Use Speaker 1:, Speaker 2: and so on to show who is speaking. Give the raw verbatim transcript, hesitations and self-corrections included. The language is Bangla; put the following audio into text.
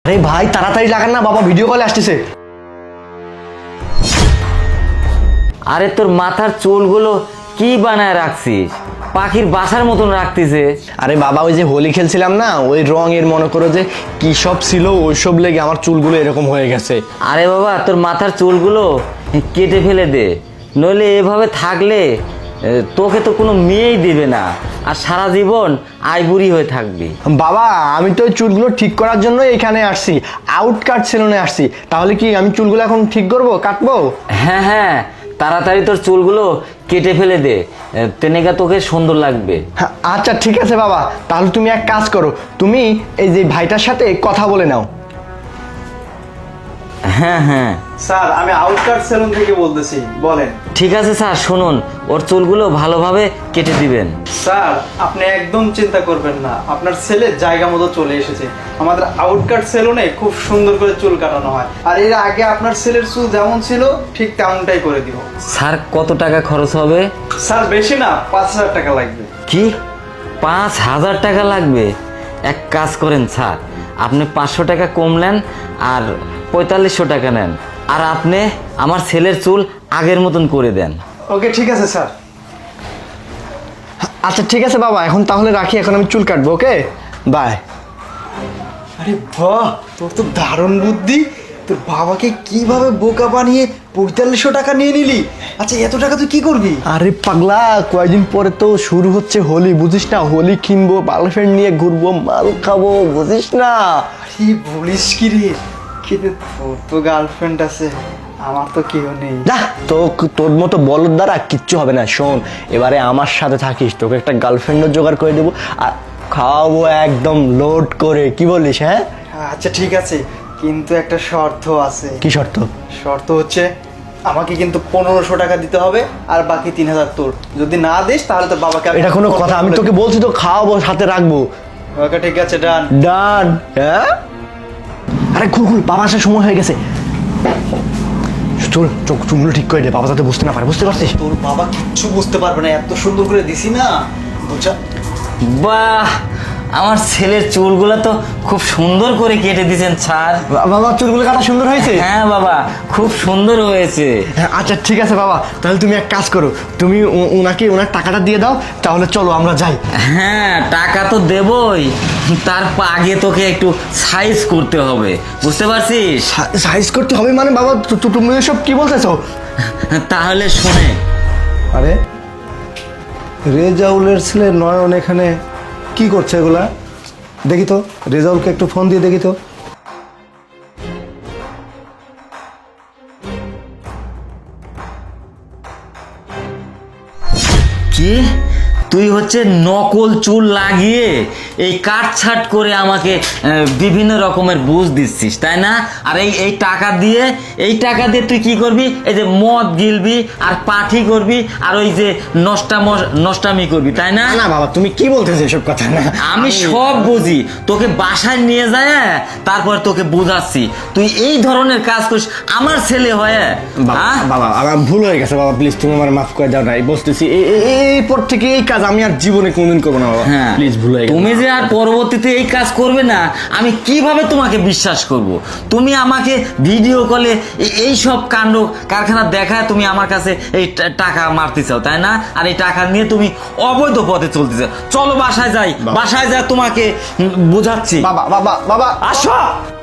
Speaker 1: আরে ভাই তাড়াতাড়ি লাগান না, বাবা ভিডিও কলে আসতেছে।
Speaker 2: আরে তোর মাথার চুলগুলো কি বানায় রাখছিস? পাখির বাসার মতন রাখতিছে।
Speaker 1: আরে বাবা ওই যে হোলি খেলছিলাম না, ওই রং এর মনে করো যে কি সব ছিল ওইসব লেগে আমার চুলগুলো এরকম হয়ে গেছে।
Speaker 2: আরে বাবা তোর মাথার চুলগুলো কেটে ফেলে দে, নইলে এভাবে থাকলে এ, তোকে তো কোনো মেয়েই দিবে না, আর সারা জীবন আইবুড়ি হয়ে থাকবি।
Speaker 1: বাবা আমি তো ওই চুলগুলো ঠিক করার জন্য এখানে আসছি, আউট কাট সেলুনে আসছি। তাহলে কি আমি চুলগুলো এখন ঠিক করবো, কাটবো?
Speaker 2: হ্যাঁ হ্যাঁ, তাড়াতাড়ি তোর চুলগুলো কেটে ফেলে দে, তেনেকা তোকে সুন্দর লাগবে।
Speaker 1: হ্যাঁ, আচ্ছা ঠিক আছে বাবা, তাহলে তুমি এক কাজ করো, তুমি এই যে ভাইটার সাথে কথা বলে নাও।
Speaker 2: হ্যাঁ হ্যাঁ
Speaker 3: স্যার আমি আউটকাট সেলুন থেকে বলতেছি, বলেন।
Speaker 2: ঠিক আছে স্যার, শুনুন ওর চুলগুলো ভালোভাবে কেটে দিবেন।
Speaker 3: স্যার আপনি একদম চিন্তা করবেন না, আপনার ছেলে জায়গা মতো চলে এসেছে। আমাদের আউটকাট সেলুনে খুব সুন্দর করে চুল কাটানো হয়, আর এর আগে আপনার ছেলের চুল যেমন ছিল ঠিক তেমনটাই করে দিব।
Speaker 2: স্যার কত টাকা খরচ হবে?
Speaker 3: স্যার বেশি না, পাঁচ হাজার টাকা লাগবে।
Speaker 2: কি পাঁচ হাজার টাকা লাগবে? এক কাজ করেন স্যার, আপনি পাঁচশো টাকা কম নেন আর পঁয়তাল্লিশশো টাকা নেন, আর আপনি আমার ছেলের চুল আগের মতন করে দেন।
Speaker 3: ওকে ঠিক আছে স্যার।
Speaker 1: আচ্ছা ঠিক আছে বাবা, এখন তাহলে রাখি, এখন আমি চুল কাটবো। Okay bye.
Speaker 3: আরে বাহ, তোর তো দারুণ বুদ্ধি। তোর বাবাকে কিভাবে বোকা বানিয়ে পঁয়তাল্লিশশো টাকা নিয়ে নিলি? আচ্ছা এত টাকা তুই কি করবি?
Speaker 1: আরে পাগলা, কয়েকদিন পরে তো শুরু হচ্ছে হোলি, বুঝিস না? হোলি কিনবো, গার্লফ্রেন্ড নিয়ে ঘুরবো, মাল খাবো, বুঝিস না?
Speaker 3: আরে বলিস কি রে, কিন্তু তোর তো গার্লফ্রেন্ড আছে, আমার তো কেউ নেই।
Speaker 1: না তো, তোর মতো বলদ দ্বারা কিচ্ছু হবে না। শোন, এবারে আমার সাথে থাকিস, তোকে একটা গার্লফ্রেন্ডও জোগাড় করে দেবো, আর খাওয়াবো একদম লোড করে। কি বলিস? হ্যাঁ
Speaker 3: আচ্ছা ঠিক আছে, কিন্তু একটা শর্ত আছে।
Speaker 1: কি শর্ত?
Speaker 3: শর্ত হচ্ছে আমাকে কিন্তু পনেরোশো টাকা দিতে হবে, আর বাকি তিন হাজার তোর। যদি না দিস তাহলে তোর বাবাকে আমি-
Speaker 1: এটা কোনো কথা? আমি তোকে বলছি তো খাওয়াবো, সাথে রাখবো।
Speaker 3: ওকে ঠিক আছে, ডান।
Speaker 1: ডান। হ্যাঁ আরে খুল খুল, বাবা আসার সময় হয়ে গেছে। চল চোখ চুমগুলো ঠিক করে দে, বাবা যাতে বুঝতে না পারে, বুঝতে পারছিস?
Speaker 3: তোর বাবা কিচ্ছু বুঝতে পারবে না, এত সুন্দর করে দিছি না, বুঝা।
Speaker 2: বাহ, আমার ছেলের চুলগুলো তো খুব সুন্দর করে কেটে দিয়েছেন স্যার।
Speaker 1: বা- বাবা চুলগুলো কাটা সুন্দর হয়েছে?
Speaker 2: হ্যাঁ বাবা, খুব সুন্দর হয়েছে।
Speaker 1: হ্যাঁ, আচ্ছা ঠিক আছে বাবা, তাহলে তুমি এক কাজ করো, তুমি ও- ওনাকে ওনার টাকাটা দিয়ে দাও, তাহলে চলো আমরা যাই।
Speaker 2: হ্যাঁ টাকা তো দেবই, তার আগে তোকে একটু সাইজ করতে হবে, বুঝতে পারছিস?
Speaker 1: সাইজ করতে হবে মানে বাবা, তু- তু- তুমি এসব কি বলতেছো?
Speaker 2: তাহলে শুনে,
Speaker 4: আরে রেজাউলের ছেলে নয়ন এখানে কি করছে এগুলা? দেখি তো, রেজাউলকে একটু ফোন দিয়ে দেখি তো।
Speaker 2: কি তুই হচ্ছে নকল চুল লাগিয়ে এই কাটছাট করে আমাকে আহ, বিভিন্ন রকমের বুঝ দিচ্ছিস, তাই না? আর এই এই টাকা দিয়ে এই টাকা দিয়ে তুই কি করবি? এই যে মদ গিলবি আর পাঠি করবি আর ওই যে নষ্টাম নষ্টামি করবি, তাই না?
Speaker 1: না বাবা, তুমি কি বলতেছো এসব কথা? না
Speaker 2: আমি সব বুঝি, তোকে বাসায় নিয়ে যায় তারপর তোকে বুঝাচ্ছি। তুই এই ধরনের কাজ করিস আমার ছেলে হয়ে?
Speaker 1: বাবা
Speaker 2: হ্যাঁ?
Speaker 1: বাবা, আমার ভুল হয়ে গেছে বাবা, প্লিজ তুমি আমার মাফ করে দাও না, এই বলতেছি এই- এই- এই পর থেকে এই কাজ আমি আর জীবনে কোনদিন করবো না বাবা,
Speaker 2: হ্যাঁ
Speaker 1: প্লিজ ভুল হয়ে গেছে।
Speaker 2: তুমি যে আর পরবর্তীতে এই কাজ করবে না, আমি কিভাবে তোমাকে বিশ্বাস করব? তুমি আমাকে ভিডিও কলে এই সব কাণ্ড কারখানা দেখায় তুমি আমার কাছে এই টা- টাকা মারতে চাও, তাই না? আর এই টাকা নিয়ে তুমি অবৈধ পথে চলতে চাও। চলো বাসায় যাই, বাসায় যা তোমাকে উম, বোঝাচ্ছি।
Speaker 1: বাবা বাবা বাবা
Speaker 2: আসো।